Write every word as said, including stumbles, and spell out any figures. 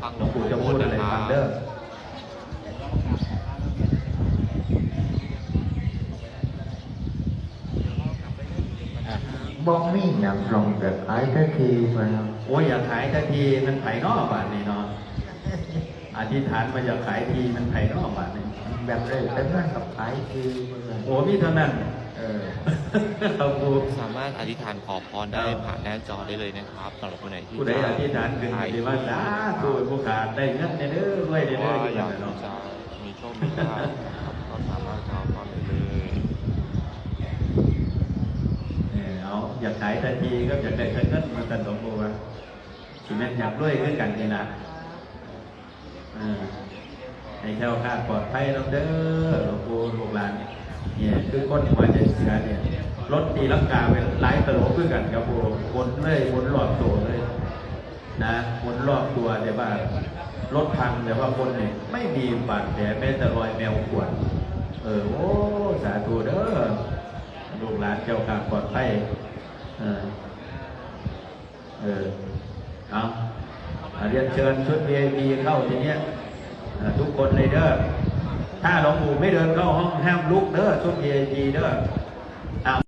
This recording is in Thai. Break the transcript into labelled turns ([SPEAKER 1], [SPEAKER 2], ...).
[SPEAKER 1] ฟัง
[SPEAKER 2] หลวงปู่จะพูดอะไรฟังเด้อ
[SPEAKER 3] บ่มีหนังลงแต่ขายทันทีมัน
[SPEAKER 2] โอ้ยอยากขายทันทีมันไผ่นอกบาทนี่เนาะอธิษฐานมาอยากขายทีมันไผ่นอกบาทนี่
[SPEAKER 3] แบบเลยแต่เมื่อกับขายทีมัน
[SPEAKER 2] โอ้มีเท่านั้นเออเราปู
[SPEAKER 1] สามารถอธิษฐานขอพรได้ผ่านหน้าจอได้เลยนะครับสำหรับคนไหนที่
[SPEAKER 2] ผู้ใดอธิษฐานถึงที่ว่าสาธุผู้ขาดได้เงินเด้อรวยเด้อ
[SPEAKER 1] ว่า
[SPEAKER 2] เด้อ
[SPEAKER 1] อยาก
[SPEAKER 2] เนาะ
[SPEAKER 1] จะมีโชคมีลาภนะครับก็สามารถขอพรได้เลย
[SPEAKER 2] เออเอาอยากขายทันทีก็อยากได้เงินมาตันหลวงปู่ว่าสิแม่นอยากรวยขึ้นกันนี่นะเออให้แถวคลาดปลอดภัยน้ำเด้อหลวงปู่ลูกหลานเนี่ยคือคนหัวใจเสือเนี่ยรถตีลังกาเป็นหลายตลบขึ้นกันครับปู่วนเลยวนรอบตัวเลยนะวนรอบตัวแต่ว่ารถพังแต่ว่าคนเนี่ยไม่มีบาดแผลแม้แต่รอยแมวขวนเออโอ้สาธุเด้อลูกหลานเจ้าการปลอดภัยเออเออเอาเรียนเชิญชุด วี ไอ พี เข้าทีเนี้ยทุกคนเลยเด้อถ้าหลวงปู่ไม่เดินเข้าห้องห้ามลุกเด้อชุด วี ไอ พี เด้อ